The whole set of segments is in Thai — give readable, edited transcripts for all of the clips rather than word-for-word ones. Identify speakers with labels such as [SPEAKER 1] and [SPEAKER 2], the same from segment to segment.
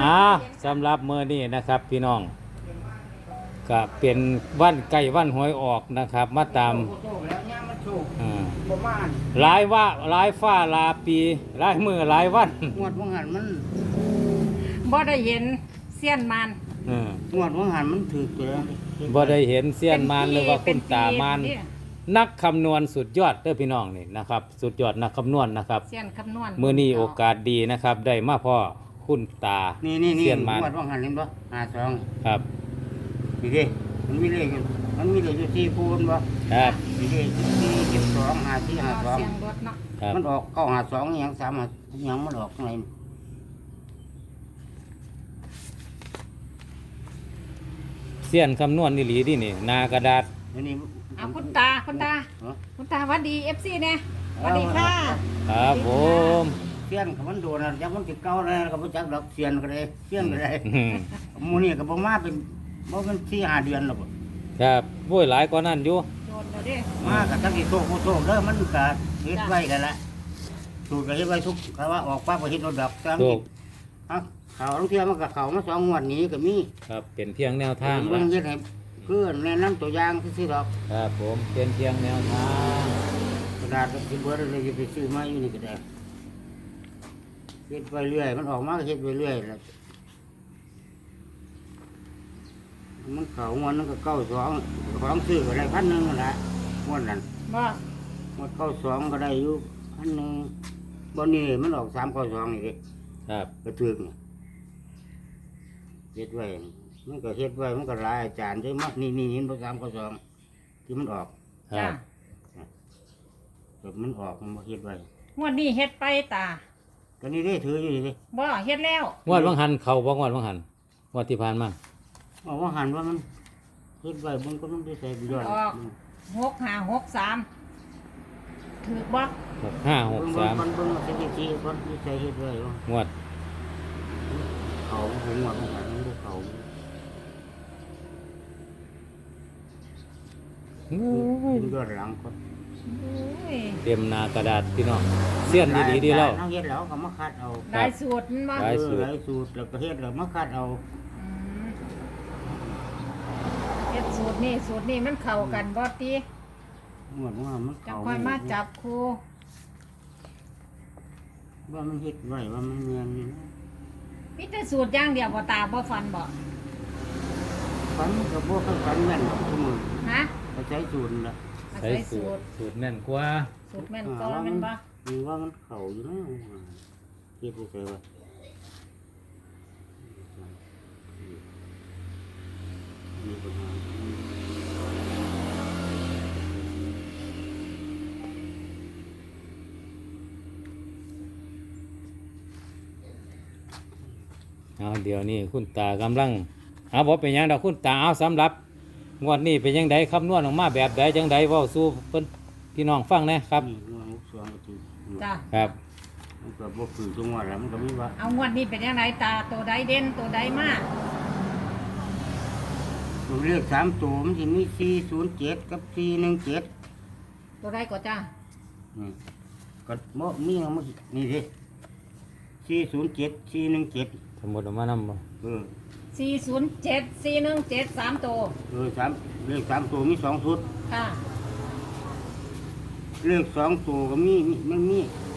[SPEAKER 1] สำหรับมื้อนี้นะครับพี่น้องก็เป็นวันใกล้วันหวยออกนะครับมาตามหลายว่าหลายฟ้าหลายปีหลายมื้อหลายวัน
[SPEAKER 2] งวดว่างหันมัน
[SPEAKER 3] บ่ได้เห็นเสี้ยนมัน
[SPEAKER 2] งวดว่างหันมันถือตัว
[SPEAKER 1] บ่ได้เห็นเสี้ยนมารหรือว่าคุณตามารนักคำนวณสุดยอดเด้อพี่น้องนี่นะครับสุดยอดนักคำนวณนะครับ
[SPEAKER 3] เสี้ยนคำนวณ
[SPEAKER 1] มื้อนี้โอกาสดีนะครับได้มาพ่อคุณตา
[SPEAKER 2] นี่
[SPEAKER 1] เสี้ยนมาร
[SPEAKER 2] งวดว่างหันเห็นบ่52
[SPEAKER 1] ครับ
[SPEAKER 2] นี่ดิมันมีเลขอยู่ที่คูณบ่
[SPEAKER 1] ครับ
[SPEAKER 2] นี่ดิ42 54
[SPEAKER 3] เสียง
[SPEAKER 2] 52
[SPEAKER 3] รถเนาะ
[SPEAKER 1] ครับ
[SPEAKER 2] มันออก952อหยัง3อหยังมันออกข้างใน
[SPEAKER 1] เสี้ยนคำนวณนี่หลีดินี่หน้ากระดาษ
[SPEAKER 2] อันนี้
[SPEAKER 3] เอาคุณตาคุณตาหวัดดี FC เนี่ยหวัดดีค่ะ
[SPEAKER 1] ครับผม
[SPEAKER 2] เสียนก็มันโดนจักมันสิเก่าแล้วก็บ่จักดอกเสียนก็ได้เสียนก็ได้
[SPEAKER 1] อืม
[SPEAKER 2] หมู่นี่ก็บ่มาเป็นบ่เป็น4-5 เดือนแล้วบ่
[SPEAKER 1] ครับโว้ยหลายกว่านั้นอยู่
[SPEAKER 3] โดนแล้วเด้
[SPEAKER 2] มาก็จักสิโตโคโตเด้อมันก็เฮ็ดไว้แล้วล่ะสูตรก็เฮ็ดไว้ทุกก็ว่าออกปั๊บก็เฮ็ดโดดดอกจัง
[SPEAKER 1] ถูก
[SPEAKER 2] เขาลางเที่ยมันก็เข้ามา2งวดนี้ก็มี
[SPEAKER 1] ครับเป็นเพียงแนวทาง
[SPEAKER 2] เบิ่
[SPEAKER 1] ละ
[SPEAKER 2] งเฮ็ดให้เพื่อนแนะนำตัวอย่างซื่อๆดอก
[SPEAKER 1] ครับผมเป็นเพียงแนวทาง
[SPEAKER 2] กระดาษก็สิเบิดเลยจะไปซื้อมาอยู่นี่ก็ได้เฮ็ดไปเรื่อยมันออกมาก็เฮ็ดไปเรื่อยแล้วมันเข้างวดนั้นก็92ของซื้อก็ได้1,000นั่นแหละงวดนั้น
[SPEAKER 3] บ่
[SPEAKER 2] งวด92ก็ได้อยู่1,000บ่นี่มันออก392นี่เด้
[SPEAKER 1] ครับ
[SPEAKER 2] กระถึกนี่เฮ็ดไว้มันก็เฮ็ดไว้มันก็หลายอาจารย์เด้อมานี่เห็นบ่392ที่มันออก
[SPEAKER 1] ครั
[SPEAKER 3] จ้า
[SPEAKER 1] บ
[SPEAKER 2] แบบมันออกมันบ่เฮ็ดไว้
[SPEAKER 3] งวดนี้เฮ็ดไปตา
[SPEAKER 2] ก็นี่เด้ถืออยู่นี่เด้
[SPEAKER 3] บ่เฮ็ดแล้ว
[SPEAKER 1] งวดวังหันเขาบ่งวดวังหันงวดที่ผ่านมา
[SPEAKER 2] เอาว่าหันว่ามันเฮ็ดไว้เบิ่งก็มันได้ใส่ประโยชน์
[SPEAKER 3] 6563ถือบ่
[SPEAKER 1] 6563
[SPEAKER 2] มันเบิ่งสถิติคนที่ใส่เฮ็ดไว้ว่าง
[SPEAKER 1] วด
[SPEAKER 2] เขาผมว่ามันหันมันบ่เขา
[SPEAKER 1] โอ้ย
[SPEAKER 2] เป็นยอดหลังคน
[SPEAKER 3] โอ้ย
[SPEAKER 1] เต็มหน้ากระดาษพี่น้องเสี้ยนดีๆดีแล้ว
[SPEAKER 2] เฮ็ดแล้วก็มาคัดเอา
[SPEAKER 3] ได้สูตรมันบ่
[SPEAKER 1] ได้
[SPEAKER 2] หลายสูตรแล้วก็เฮ็ดแล้วมาคัดเอา
[SPEAKER 3] อืมเฮ็ดสูตรนี่มันเข้ากันบ่ติ
[SPEAKER 2] เหมือนว่ามัน
[SPEAKER 3] จัง
[SPEAKER 2] เขา
[SPEAKER 3] ค่อยมาจับคู่
[SPEAKER 2] ว่ามันเฮ็ดไว้ว่ามันเนียนนี่นะ
[SPEAKER 3] มีแต่สูตรอย่างเดียวบ่ตาบ่ฟันบ่
[SPEAKER 2] ฝันก็บ่ค่อยฝันแม่นดอกทุกมื้อ
[SPEAKER 3] ฮะ
[SPEAKER 2] ก็ใช้สูตรนั่นล่ะ
[SPEAKER 3] อา
[SPEAKER 1] ใช้
[SPEAKER 3] ศัย
[SPEAKER 1] สู
[SPEAKER 3] สู
[SPEAKER 1] ต
[SPEAKER 3] ต
[SPEAKER 1] ร
[SPEAKER 3] ร
[SPEAKER 1] สูตรแน่นกว่า
[SPEAKER 3] สูตรแม่นก็แม่นบ่
[SPEAKER 2] มีว่ามันเข้าอยู่นะเฮ็ดได้ไสวะมีปัญหา
[SPEAKER 1] เอาเดี๋ยวนี้คุณตากำลังเอาบ่เป็นหยังดอกคุณตาเอาสำหรับงวดนี้เป็นยังไงคำนวณออกมาแบบใดจังใดเว้าสู่เพิ่นพี่น้องฟังแหนะครับ
[SPEAKER 2] นี่ว่ามุกสวงก็ถือ
[SPEAKER 3] จ้ะ
[SPEAKER 1] ครับ
[SPEAKER 2] มันก็บ่คือจังหวัดแล้วมันก็มีว่า
[SPEAKER 3] เอางวดนี้เป็นยังไงตาตัวใดเด่นตัวใดมาก
[SPEAKER 2] ตัวเลข3ตัวมันสิมี407กับ417
[SPEAKER 3] ตัวใดก็จ้า
[SPEAKER 2] นี่ก็บ่มีเอามานี่ดิ407 417
[SPEAKER 1] สมมุติออกมานำบ่
[SPEAKER 2] เออ
[SPEAKER 3] 407 417 3ตัว
[SPEAKER 2] เลข3ตัวมี2ชุด
[SPEAKER 3] ค่ะ
[SPEAKER 2] เลข2ตัวก็มันมี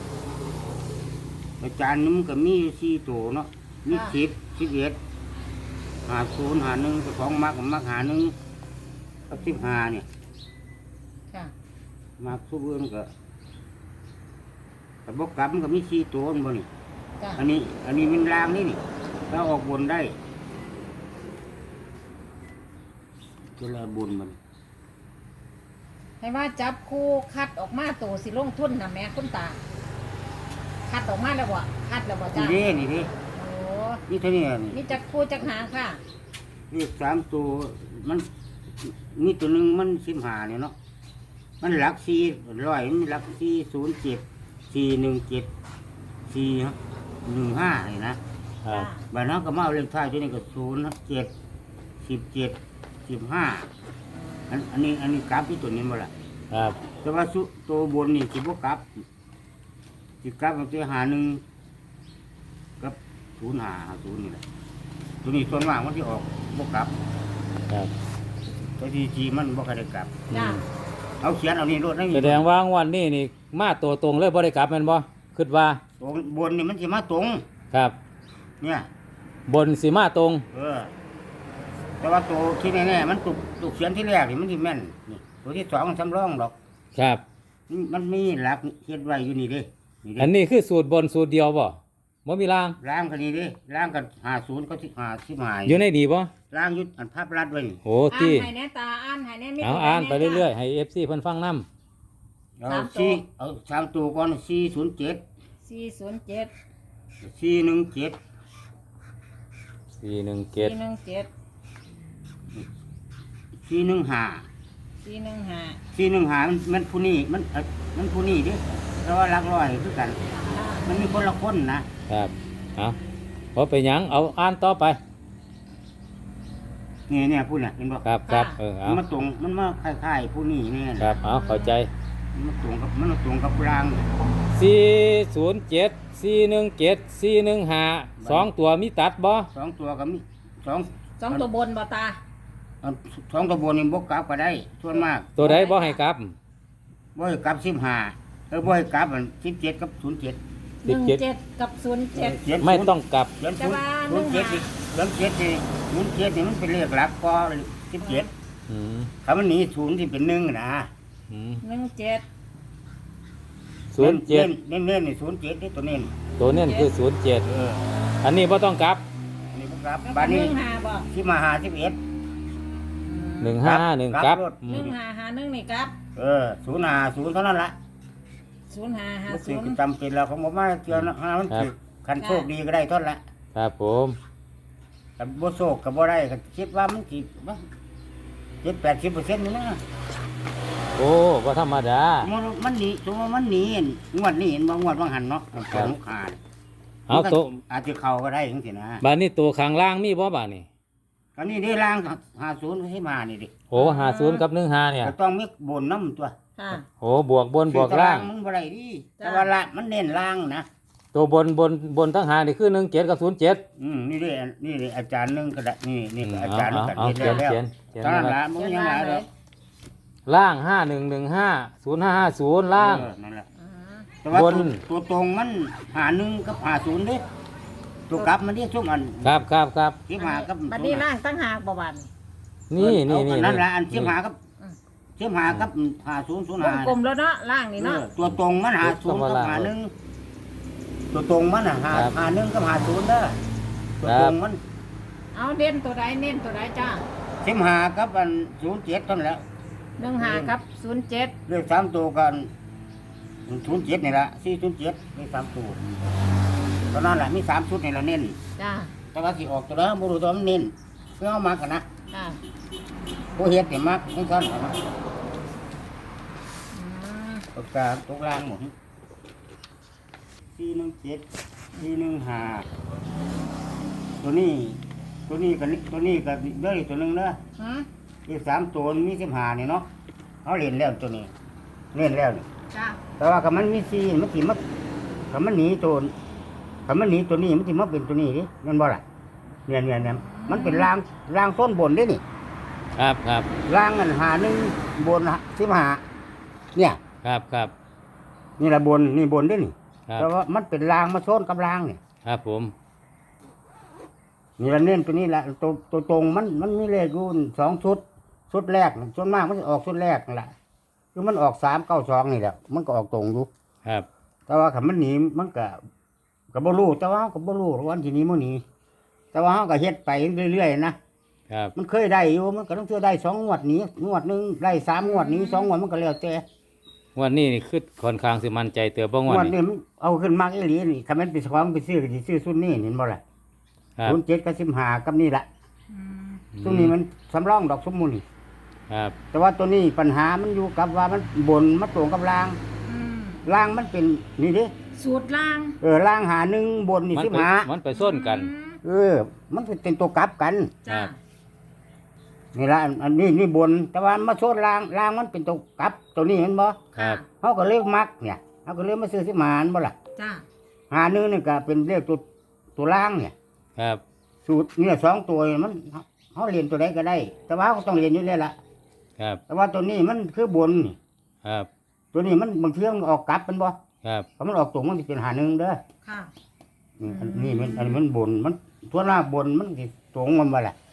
[SPEAKER 2] อาจารย์นี่มันก็มีอยู่4ตัวเนาะมี10 11 50 51ก็ของมัก51กับ15เนี่ย
[SPEAKER 3] ค่ะ
[SPEAKER 2] มักซุเบิ่นก็แต่บ่กลับมันก็มี4ตัวนั่นบ่นี่
[SPEAKER 3] จ้ะ
[SPEAKER 2] อันนี้มันรางนี่ถ้าออกบนได้ก็แลบนมัน
[SPEAKER 3] ให้ว่าจับคู่คัดออกมาตัวสิลงทุนนะแม่คุณตา คัดออกมาแล้วบ่คัดแล้วบ่จ้า
[SPEAKER 2] นี่เด้
[SPEAKER 3] โอ้
[SPEAKER 2] นี่เท่านี้นี่
[SPEAKER 3] มีจักคู่จักหางค่ะ
[SPEAKER 2] เลข3ตัวมันมีตัวหนึงมัน15เนี่ยเนาะมันหลัก400มันหลัก407 417 415นี่นะครับ บัดนั้นก็มาเอาเลขท้ายตัวนี้ก็07 17 15อันนี้กราฟที่ตัวนี้บ่ล่ะ
[SPEAKER 1] ครับ
[SPEAKER 2] แต่ว่าตัวบนนี่สิบ่กลับสิกลับมันจะหาหนึ่งกับ 0550นี่แหละตัวนี้ส่วนมากมันที่ออกบ่กลับ
[SPEAKER 1] ครับ
[SPEAKER 2] ตัวที่จีมันบ่ค่อยได้กลับ
[SPEAKER 3] จ้า
[SPEAKER 2] เอาเขียนเอานี่รถนั่น
[SPEAKER 1] แสดงว่างวันนี้นี่มาตัวตรงเลยบ่ได้กลับแม่นบ่คิดว่า
[SPEAKER 2] ตรงบนนี่มันสิมาตรง
[SPEAKER 1] ครับ
[SPEAKER 2] เนี่ย
[SPEAKER 1] บนสิมาตรง
[SPEAKER 2] แต่ว่าตัวที่แน่ๆมันตุกเขียนที่แรกนี่มันสิแม่นนี่ตัวที่2มันสำรองดอก
[SPEAKER 1] ครับ
[SPEAKER 2] มันมีหลักเขียนไว้อยู่นี่เด้นี่
[SPEAKER 1] อัน
[SPEAKER 2] เด้
[SPEAKER 1] นี้คือสูตรบนสูตรเดียวบ่บ่มีราง
[SPEAKER 2] ล้างกันนี่เด้ล้างกัน50ก็15
[SPEAKER 1] อยู่ในนี่บ่
[SPEAKER 2] ล้างอยุดอันภาพรัดไว้นี่
[SPEAKER 1] โอ้
[SPEAKER 3] อ่าน
[SPEAKER 1] ที่
[SPEAKER 3] ให้แน่ตาอ่านให้แน่มี
[SPEAKER 1] เอาอ่านไปเรื่อยๆให้ FC เพิ่นฟังนำ
[SPEAKER 2] เอาสี่เอา3ตัวก่อน407
[SPEAKER 3] ๆ407
[SPEAKER 2] 417
[SPEAKER 1] 417
[SPEAKER 3] 417
[SPEAKER 2] 415
[SPEAKER 3] 415
[SPEAKER 2] มันผู้นี้มันผู้นี้เดิแต่ว่าหลักร้อยคือกัน มันมีคนละคนนะครับ
[SPEAKER 1] เอาบ่เป็นหยังเอาอ่านต่อไป
[SPEAKER 2] เนี่ยผู้น่ะเห็นบ่
[SPEAKER 1] ครับครับเอา
[SPEAKER 2] มันมาตรงมันมาคล้ายๆผู้นี้แน่
[SPEAKER 1] ครับเอาเข้าใจ
[SPEAKER 2] มันมาตรงกับราง
[SPEAKER 1] 407 417 415 2ตัวมีตัดบ่
[SPEAKER 2] สองตัวกับมีสอง
[SPEAKER 3] สองตัวบนบ่ตา
[SPEAKER 2] เอาสองตัวบนนี่บ่กลับก็ได้ส่วนมาก
[SPEAKER 1] ตัวใดบ่ให้กลับ
[SPEAKER 2] บ่ให้กลับ15บ่ให้กลับอัน17กับ07
[SPEAKER 3] 17กับ07
[SPEAKER 1] ไม่ต้องกลับ
[SPEAKER 2] เขียน
[SPEAKER 3] แต่ว่า
[SPEAKER 2] 07นี่07นี่มันเป็นเลขหลักก็17
[SPEAKER 1] อืม
[SPEAKER 2] ถ้ามันหนี0ที่เป็น1นะ
[SPEAKER 1] อืม
[SPEAKER 3] 17
[SPEAKER 1] 07
[SPEAKER 2] เน้นๆนี่07นี่ตัวเน้น
[SPEAKER 1] ตัวเน้นคือ 07 อันนี้บ่ต้องกลับ
[SPEAKER 2] อันนี้บ่กลับ
[SPEAKER 3] แล้ว
[SPEAKER 2] บ้านนี้
[SPEAKER 3] 15บ่
[SPEAKER 2] ที่มาหา11
[SPEAKER 1] 151กลับอืม
[SPEAKER 3] 1551นี่ครับ
[SPEAKER 2] 050เท่านั้นละมันสิ
[SPEAKER 3] 0550
[SPEAKER 2] จำเป็นแล้วของผมมาเจอนะมันสิคันโชคดีก็ได้เท่านั้นละ
[SPEAKER 1] ครับผม
[SPEAKER 2] แต่บ่โชคก็บ่ได้ก็คิดว่ามันสิบ่70-80%นี่นะ
[SPEAKER 1] โอ้บ่ธรรมดา
[SPEAKER 2] มันหนีสมมุติว่ามันหนีงวดนี้เห็นบ่งวดบางหันเนาะมัน
[SPEAKER 1] ครับ
[SPEAKER 2] ลูกค้า
[SPEAKER 1] เอาตัว
[SPEAKER 2] อาจจะเข้าก็ได้จังซี่นะ
[SPEAKER 1] บาดนี้ตัวข้างล่างมีบ่บาดนี้
[SPEAKER 2] อันนี้ได้ล่าง50ให้มานี่ดิ
[SPEAKER 1] โอ้50กับ15เนี่ย
[SPEAKER 2] ก็ต้องมีบนน้ำตัว
[SPEAKER 3] ค่ะ
[SPEAKER 1] โอ้บวกบนบวกล่าง
[SPEAKER 2] มึงบ่ได้ดิ
[SPEAKER 3] จ้ะ
[SPEAKER 2] แต่ว่าละมันเน้นล่างนะ
[SPEAKER 1] ตัวบนทั้งหานี่คือ17กับ07
[SPEAKER 2] นี่อาจารย์นึงก็ได้นี่ก็อาจารย์นึงก็
[SPEAKER 1] เอา
[SPEAKER 2] เฮ็ดแล้ว
[SPEAKER 1] เขียน
[SPEAKER 2] ตอนนั้น
[SPEAKER 1] นะครับ
[SPEAKER 2] ละมึงยังหลายแล้ว
[SPEAKER 1] ล่าง5115 0550ล่าง
[SPEAKER 2] นั่นแหละ
[SPEAKER 3] อ่า
[SPEAKER 2] แต่ว่า
[SPEAKER 1] บน
[SPEAKER 2] ตัวตรงมัน51กับ50เด้ตัวกลับมันเรียกช่วงอัน
[SPEAKER 1] ครับ
[SPEAKER 2] ที่มากับ
[SPEAKER 3] บัดนี้ล่างตั้งหากบ่บัด
[SPEAKER 1] นี่
[SPEAKER 2] เอานั่นละอันที่มากับที่มากับ5005
[SPEAKER 3] กลมๆแล้วเนาะล่างนี่เนาะ
[SPEAKER 2] ตัวตรงมัน50กับ51ตัวตรงมัน51กับ50เด้อตัวตรงมัน
[SPEAKER 3] เอาเด่นตัวใดเน้นตัวใดจ้า
[SPEAKER 2] 15กับอัน07เท่านั้นแหละ
[SPEAKER 3] 15ครับ07
[SPEAKER 2] เลข3ตัวกัน07นี่ล่ะ407เลข3ตัวตอนนั้นแหละมี3ชุดนี่ละเน้น
[SPEAKER 3] จ้า
[SPEAKER 2] แต่ว่าสิออกตัวแล้วบ่รู้ตัวมันเน้นเพื่อเอามากันนะ
[SPEAKER 3] จ้า
[SPEAKER 2] บ่เฮ็ดนี่มักจังซั่นล่ะนะ
[SPEAKER 3] อืม
[SPEAKER 2] ปากกาตกล่างหมด417 415ตัวนี้กับตัวนี้กับเด้ออีกตัวหนึงเด้อ
[SPEAKER 3] หืม
[SPEAKER 2] อีก3ตัวมี15นี่เนาะเฮาเล่นแล้วตัวนี้เล่นแล้วนี่
[SPEAKER 3] จ้า
[SPEAKER 2] แต่ว่าคันมันมี4มันสิมาคันมันหนีตัวคันมันหนีตัวนี้มันสิมาเป็นตัวนี้ดิแม่นบ่ล่ะเนี่ยมันเป็นรางต้นบนเด้นี่
[SPEAKER 1] ครับ
[SPEAKER 2] รางอัน51บน15เนี่ย
[SPEAKER 1] ครับ
[SPEAKER 2] นี่ละบนนี่บนเด้นี่
[SPEAKER 1] ครับ
[SPEAKER 2] แต่ว่ามันเป็นรางมาชนกับรางนี่
[SPEAKER 1] ครับผม
[SPEAKER 2] นี่ละเน้นตัวนี้ละตัวตรงมันมีเลขอยู่2ชุดแรกส่วนมากมันจะออกชุดแรกนั่นล่ะคือมันออก392นี่แหละมันก็ออกตรงอยู่
[SPEAKER 1] ครับ
[SPEAKER 2] แต่ว่าคันมันหนีมันก็บ่รู้แต่ว่าเราก็บ่รู้วันที่นี้มื้อนี้แต่ว่าเฮาก็เฮ็ดไปเรื่อยๆนะครับ มันเคยได้อยู่มันก็ต้องเทื่อได้2งวดนี้งวดหนึงได้3งวดนี้2งวดมันก็แล้วแต่
[SPEAKER 1] งวันนี้นี่คือค่อนข้างสิมั่นใจเตือบ่ง
[SPEAKER 2] ง
[SPEAKER 1] ว
[SPEAKER 2] ว
[SPEAKER 1] ด
[SPEAKER 2] ด
[SPEAKER 1] นี้
[SPEAKER 2] นี้มันเอาขึ้นมากอีหลีนี่คันมันเป็นของไปซื้อก็สิซื้อชุดนี้เห็นบ่ล่ะ
[SPEAKER 1] ครับ
[SPEAKER 2] 07กับ15กับนี่ล่ะ
[SPEAKER 3] อืม
[SPEAKER 2] ตัวนี้มันสำรองดอกสมมุตินี่
[SPEAKER 1] ครับ
[SPEAKER 2] แต่ว่าตัวนี้ปัญหามันอยู่กับว่ามันบนมาตรงกับราง
[SPEAKER 3] อืม
[SPEAKER 2] รางมันเป็นนี่เด้
[SPEAKER 3] สูตรล่าง
[SPEAKER 2] รางหา1บนนี่
[SPEAKER 1] มันไปส้นกัน
[SPEAKER 3] อืม
[SPEAKER 2] มันเป็นตัวกลับกัน
[SPEAKER 3] จ้า
[SPEAKER 2] นี่ละอันนี้นี่บน แต่ว่ามาโซดรางมันเป็นตัวกลับตัวนี้เห็นบ่
[SPEAKER 1] ครับ
[SPEAKER 2] เขาก็เลือกมักเนี่ยเขาก็เลือกมาซื้อสิมาอันบ่ล่ะ
[SPEAKER 3] จ้า
[SPEAKER 2] หา1นี่ก็เป็นเลขตัวตัวล่างเนี่ย
[SPEAKER 1] ครับ
[SPEAKER 2] สูตรเนี่ยสองตัวมันเขาเรียนตัวใดก็ได้ แต่ว่าเขาต้องเรียนอยู่แล้วล่ะ
[SPEAKER 1] ครับ
[SPEAKER 2] แต่ว่าตัวนี้มันคือบนนี่
[SPEAKER 1] ครับ
[SPEAKER 2] ตัวนี้มันบางเที่ยงออกกลับเป็นบ่
[SPEAKER 1] ครับ
[SPEAKER 2] ถ้ามันออกตรงมันจะเป็นหาหนึ่งเด้อ
[SPEAKER 3] ค่ะ
[SPEAKER 2] อันนี้มันบนมันทั่วหน้าบนมันสิตรงมันมาแหละ